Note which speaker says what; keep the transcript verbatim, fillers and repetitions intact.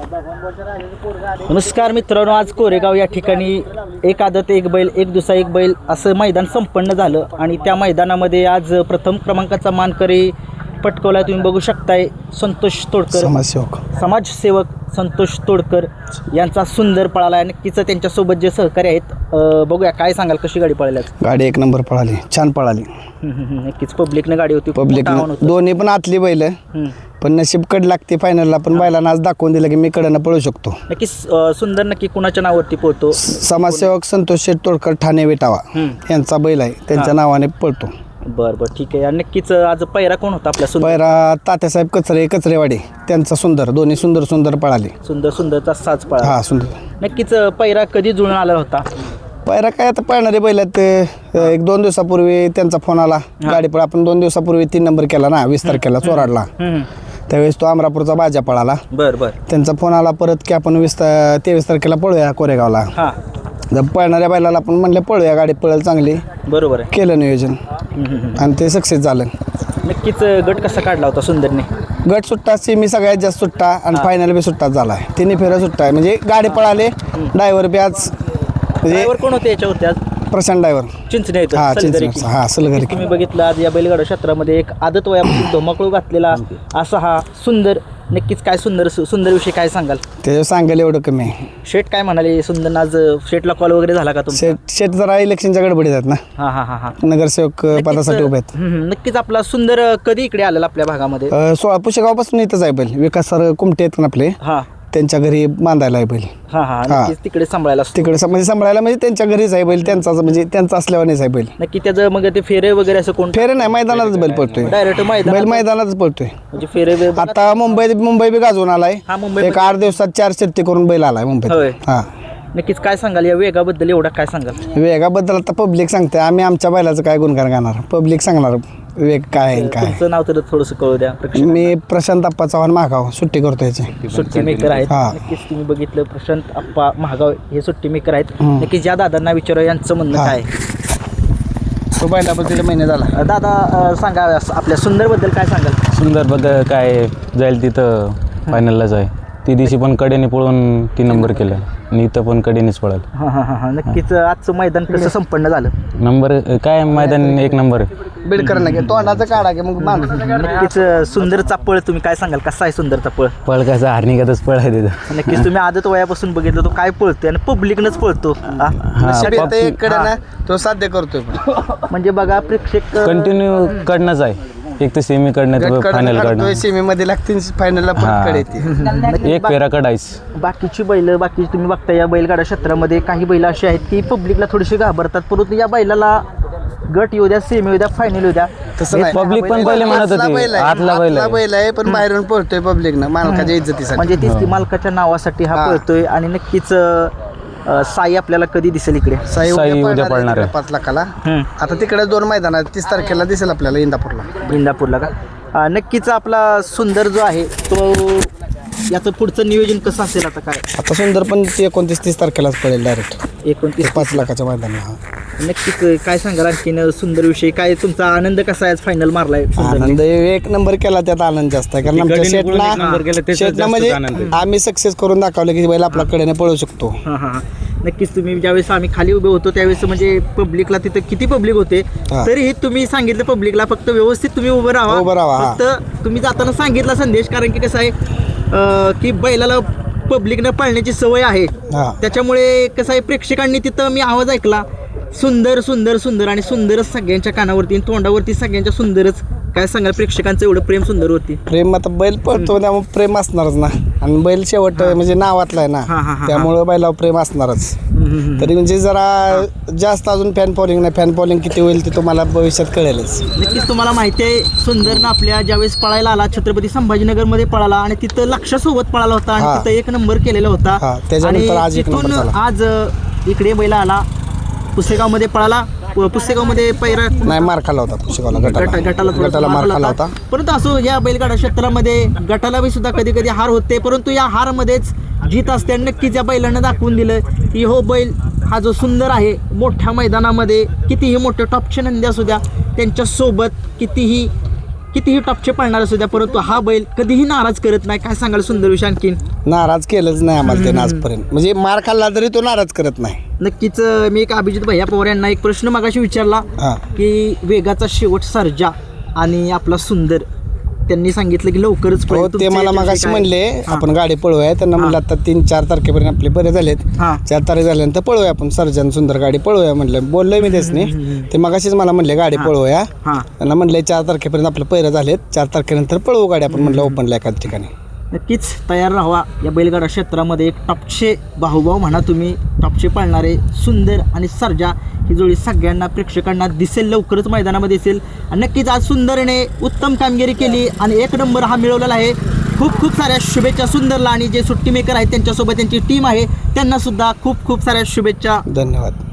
Speaker 1: नमस्कार मित्रांनो, आज कोरेगाव या ठिकाणी एक आदत एक बैल एक दुसरा एक बैल असं मैदान संपन्न झालं आणि त्या मैदानामध्ये आज प्रथम क्रमांकाचा मानकरी पटकवला. तुम्ही बघू शकताय संतोष तोडकर,
Speaker 2: समाजसेवक
Speaker 1: समाजसेवक संतोष तोडकर यांचा सुंदर पळाला आहे. नक्कीच त्यांच्यासोबत जे सहकारी आहेत, अ, बघूया काय सांगाल, कशी गाडी पळाली?
Speaker 2: गाडी एक नंबर पळाली, छान पळाली.
Speaker 1: नक्कीच पब्लिकने गाडी होती,
Speaker 2: पब्लिक दोन्ही पण आतली बैल, पण नशीब कड लागते फायनलला. पण बैलांना आज दाखवून दिलं की मी कडनं पळू शकतो.
Speaker 1: नक्कीच अ, सुंदर नक्की कुणाच्या नावावरती पळतो?
Speaker 2: समाजसेवक संतोष शेठ तोडकर ठाणे वेटावा यांचा बैल आहे, त्यांच्या नावाने पळतो.
Speaker 1: बरं बरं ठीक आहे. आणि नक्कीच आज पैरा कोण होता आपल्या? सुंदर
Speaker 2: पैरा तात्यासाहेब कचरे कचरेवाडी त्यांचा सुंदर, दोन्ही सुंदर सुंदर पळाले.
Speaker 1: सुंदर सुंदरचा साज पळा.
Speaker 2: हा सुंदर.
Speaker 1: नक्कीच पैरा कधी जुळून आलेला होता?
Speaker 2: पैरा काय आता पळणारे बैल आहेत ते. एक दोन दिवसापूर्वी त्यांचा फोन आला, गाडी पळ आपण दोन दिवसापूर्वी तीन नंबर केला ना, वीस तारखेला चोराडला. त्यावेळेस तो अमरापूरचा बाजा पळाला.
Speaker 1: बरं बरं.
Speaker 2: त्यांचा फोन आला परत की आपण वीस तेवीस तारखेला पळूया कोरेगावला.
Speaker 1: हां,
Speaker 2: जर पळणाऱ्या बैलाला आपण म्हणलं पळूया, गाडी पळेल चांगली.
Speaker 1: बरोबर आहे.
Speaker 2: केलं नियोजन आणि ते सक्सेस झालं.
Speaker 1: नक्कीच गट कसा काढला होता सुंदरने?
Speaker 2: गट सुट्टा, सेमी सगळ्यात जास्त सुट्टा आणि फायनल बी सुट्टाच झाला आहे. तिन्ही फेऱ्या सुट्टा आहे, म्हणजे गाडी पळाले. ड्रायव्हर बी आज म्हणजे
Speaker 1: ड्रायव्हर कोण होते याच्यावरती आज?
Speaker 2: प्रशांत ड्रायव्हर
Speaker 1: चिंचणे आहेत,
Speaker 2: हा
Speaker 1: सलगरी.
Speaker 2: चिंचणी हा सलगरी.
Speaker 1: तुम्ही बघितलं आज या बैलगाडा क्षेत्रामध्ये एक आदत वयापासून धोमाकळू घातलेला असा हा सुंदर. नक्कीच काय सुंदर सुंदर विषय काय सांगाल?
Speaker 2: त्याच्यावर सांगायला एवढं कमी आहे.
Speaker 1: शेठ काय म्हणाले सुंदर? आज शेठला कॉल वगैरे झाला का तुमचा?
Speaker 2: शेत शेत जरा इलेक्शनच्या गडबडीत आहेत ना,
Speaker 1: हां हां हां हां
Speaker 2: नगरसेवक पदासाठी उभे आहेत.
Speaker 1: हम्म, हम्म. नक्कीच आपला सुंदर कधी इकडे आलेला आपल्या भागामध्ये?
Speaker 2: अ, सोळा पुशेगावपासून इथंच आहे बैल. विकास सर कुमटे आहेत ना आपले,
Speaker 1: हां
Speaker 2: त्यांच्या घरी बांधायला आहे बैल.
Speaker 1: हां हां नक्कीच तिकडे सांभाळायला असतो.
Speaker 2: तिकडे म्हणजे सांभाळायला म्हणजे त्यांच्या घरीच आहे बैल, त्यांचा म्हणजे त्यांचा असल्यावानेच आहे बैल.
Speaker 1: नक्की त्याचं मग ते फेरे वगैरे असं कोण?
Speaker 2: फेरे नाही, मैदानातच बैल पळतोय.
Speaker 1: डायरेक्ट मैदान
Speaker 2: बैल मैदानातच पळतोय.
Speaker 1: म्हणजे फेरे वे-
Speaker 2: आता मुंबईत मुंबई बी गाजवून आलाय.
Speaker 1: हा, मुंबई
Speaker 2: एक आठ दिवसात चार शर्ती करून बैल आलाय
Speaker 1: होय.
Speaker 2: मुंबईत. हा
Speaker 1: नक्कीच काय सांगाल या वेगाबद्दल? एवढा काय सांगाल?
Speaker 2: वेगाबद्दल आता पब्लिक सांगते, आम्ही आमच्या बैलाचं काय गुणगान गाणार, पब्लिक सांगणार वेग काय आहे काय.
Speaker 1: तुमचं नाव तर थोडंसं कळू द्या.
Speaker 2: मी प्रशांत अप्पा चव्हाण महागाव सुट्टी करतो याची.
Speaker 1: सुट्टी मेकर आहेत.
Speaker 2: हा.
Speaker 1: नक्कीच तुम्ही बघितलं प्रशांत आप्पा महागाव हे सुट्टी मेकर आहेत. नक्कीच या दादांना विचारा यांचं म्हणणं
Speaker 2: हा.
Speaker 1: काय?
Speaker 2: तो बैलाबद्दल महिने झाला.
Speaker 1: अ, दादा अ, सांगा आपल्या सुंदरबद्दल काय सांगाल?
Speaker 3: सुंदरबद्दल काय जाईल तिथं फायनललाच आहे. ती दिवशी पण कडेने पळून तीन नंबर केलं आणि इथं पण कडेनेच पळाल.
Speaker 1: हां हां हां नक्कीच आजचं मैदान कसं संपन्न झालं?
Speaker 3: नंबर काय मैदान एक नंबर आहे.
Speaker 2: बिडकर नाही तोंडाचं काढा की मग बांध.
Speaker 1: नक्कीच सुंदरचा पळ तुम्ही काय सांगाल? कसा आहे सुंदरचा पळ?
Speaker 3: पळ कसं हार्निकातच पळ आहे तिथं.
Speaker 1: नक्कीच तुम्ही आदत वयापासून बघितलं तो काय पळतोय आणि पब्लिकनंच पळतो. हा?
Speaker 2: इकडे ना तो साध्य करतोय.
Speaker 1: म्हणजे बघा प्रेक्षक
Speaker 3: कंटिन्यू कडनंच आहे. एक तर सेमी कडनं फायनल कडनं
Speaker 2: सेमी मध्ये लागतील, फायनलला परत कडे येते.
Speaker 3: एक फेरा कडायच.
Speaker 1: बाकीची बैल बाकी तुम्ही बघता या बैलगाडा क्षेत्रामध्ये काही बैल अशी आहेत की पब्लिकला थोडीशी घाबरतात, परंतु या बैलाला गट येऊ द्या, सेमी येऊ द्या, फायनल येऊ द्या,
Speaker 2: तसं नाही.
Speaker 3: पब्लिक पण पहिले म्हणत होती आतला बैल आहे.
Speaker 2: बैल आहे पण बाहेरून पळतोय पब्लिक ना, मालकाच्या इज्जतीसाठी.
Speaker 1: म्हणजे तीच ती मालकाच्या नावासाठी हा पळतोय. आणि नक्कीच अ, साई आपल्याला कधी दिसेल इकडे?
Speaker 2: साई
Speaker 3: साई
Speaker 2: उद्या
Speaker 3: उद्या
Speaker 2: पळणार
Speaker 3: पळणार
Speaker 2: आहे
Speaker 3: आहे.
Speaker 2: पाच लाखाला.
Speaker 1: हम्म.
Speaker 2: आता तिकडे दोन मैदान आहेत, तीस तारखेला दिसेल आपल्याला इंदापूरला.
Speaker 1: इंदापूरला का? अ, नक्कीच आपला सुंदर जो आहे तो याचं पुढचं नियोजन कसं असेल आता काय?
Speaker 2: आता सुंदर पण ते एकोणतीस तीस तारखेलाच पडेल डायरेक्ट
Speaker 1: एकोणतीस
Speaker 2: पाच लाखाच्या मैदानाला.
Speaker 1: नक्कीच काय सांगाल आणखीन सुंदर विषय? काय तुमचा आनंद कसा आहे फायनल मारलाय सुंदरने?
Speaker 2: आनंद एक नंबर केला, त्यात आनंद जास्त आहे. कारण आमच्या शेटना शेटना म्हणजे आम्ही सक्सेस करून दाखवलं की बैल आपल्या कडेने पळू शकतो.
Speaker 1: हां हां हां नक्कीच. तुम्ही ज्यावेळेस आम्ही खाली उभे होतो त्यावेळेस म्हणजे पब्लिकला तिथं किती पब्लिक होते
Speaker 2: हा.
Speaker 1: तरीही तुम्ही सांगितलं पब्लिकला फक्त व्यवस्थित तुम्ही उभं राहा.
Speaker 2: उभं राहा, हा.
Speaker 1: फक्त तुम्ही जाताना सांगितला संदेश, कारण की कसं आहे अं, की बैलाला पब्लिकनं पाळण्याची सवय आहे.
Speaker 2: हा.
Speaker 1: त्याच्यामुळे कसं आहे प्रेक्षकांनी तिथं मी आवाज ऐकला सुंदर सुंदर सुंदर आणि सुंदरच सगळ्यांच्या कानावरती आणि तोंडावरती सगळ्यांच्या सुंदरच. काय सांगाल प्रेक्षकांचं एवढं प्रेम सुंदर होती?
Speaker 2: प्रेम आता बैल पळतो त्यामुळे प्रेम असणारच ना, आणि बैल शेवट म्हणजे नावातला आहे
Speaker 1: हा, हा,
Speaker 2: ना,
Speaker 1: हा.
Speaker 2: त्यामुळे बैलावर प्रेम असणारच. तरी म्हणजे जरा जास्त अजून फॅन फॉलोइंग नाही, फॅन फॉलोइंग किती होईल ते तुम्हाला भविष्यात कळेलच.
Speaker 1: नक्कीच. तुम्हाला माहिती आहे सुंदरनं आपल्या ज्यावेळेस पळायला आला छत्रपती संभाजीनगरमध्ये पळाला आणि तिथं लक्षासोबत पळाला होता आणि
Speaker 2: हा.
Speaker 1: तिथं एक नंबर केलेला होता.
Speaker 2: हा, त्याच्यानंतर
Speaker 1: आणि
Speaker 2: आज एक नंबर
Speaker 1: तिथून
Speaker 2: झाला.
Speaker 1: आज अ, इकडे बैला आला पुसेगावमध्ये पळाला. पुसेगावमध्ये पैरा
Speaker 2: नाही मार खाला होता पुशेगावला,
Speaker 1: गटा
Speaker 2: गटाला
Speaker 1: गटाला थोडासा
Speaker 2: गटाला मार
Speaker 1: मार
Speaker 2: खाला
Speaker 1: होता.
Speaker 2: होता.
Speaker 1: परंतु असो या बैलगाडा क्षेत्रामध्ये गटाला बी सुद्धा कधी कधी हार होते, परंतु या हारमध्येच जीत असते. आणि नक्कीच या बैलानं दाखवून दिलं की हो बैल हा जो सुंदर आहे मोठ्या मैदानामध्ये कितीही मोठे टॉपचे नंदी असू द्या त्यांच्यासोबत कितीही कितीही टॉपचे पळणार असू द्या, परंतु हा बैल कधीही नाराज करत नाही. काय सांगाल सुंदर विषय आणखीन?
Speaker 2: नाराज केलंच नाही आम्हाला त्यानं आजपर्यंत, म्हणजे मार खाल्ला तरी तो नाराज करत नाही.
Speaker 1: नक्कीच अं, मी एक अभिजित भैया पवार यांना एक प्रश्न मगाशी विचारला
Speaker 2: हां.
Speaker 1: की वेगाचा शेवट सर्जा आणि आपला सुंदर, त्यांनी सांगितलं की लवकरच पळेल.
Speaker 2: हो, ते
Speaker 1: तुमच्या
Speaker 2: मला
Speaker 1: याच्याविषयी
Speaker 2: मागाशी
Speaker 1: काय?
Speaker 2: म्हणले
Speaker 1: हां.
Speaker 2: आपण गाडी पळवूया. त्यांना म्हणलं आता तीन चार तारखेपर्यंत आपले बरे झालेत,
Speaker 1: हां.
Speaker 2: चार तारीख झाल्यानंतर पळवूया आपण सर्जन सुंदर गाडी पळवूया म्हणलं. बोललोय मी त्यासनी, ते मगाशीच मला म्हणले गाडी पळवूया.
Speaker 1: हां.
Speaker 2: त्यांना म्हणले चार तारखेपर्यंत आपलं पैरं झालेत, चार तारखेनंतर पळवू गाडी आपण म्हणलं ओपनला एखाद्या ठिकाणी.
Speaker 1: नक्कीच तयार राहावा. या बैलगाडा क्षेत्रामध्ये एक टॉपचे भाऊभाऊ म्हणा तुम्ही, टॉपचे पळणारे सुंदर आणि सर्जा ही जोडी सगळ्यांना प्रेक्षकांना दिसेल, लवकरच मैदानामध्ये दिसेल. आणि नक्कीच आज सुंदरने उत्तम कामगिरी केली आणि एक नंबर हा मिळवलेला आहे. खूप खूप साऱ्या शुभेच्छा सुंदरला, आणि जे सुट्टी मेकर आहेत त्यांच्यासोबत त्यांची टीम आहे त्यांना सुद्धा खूप खूप साऱ्या शुभेच्छा.
Speaker 2: धन्यवाद.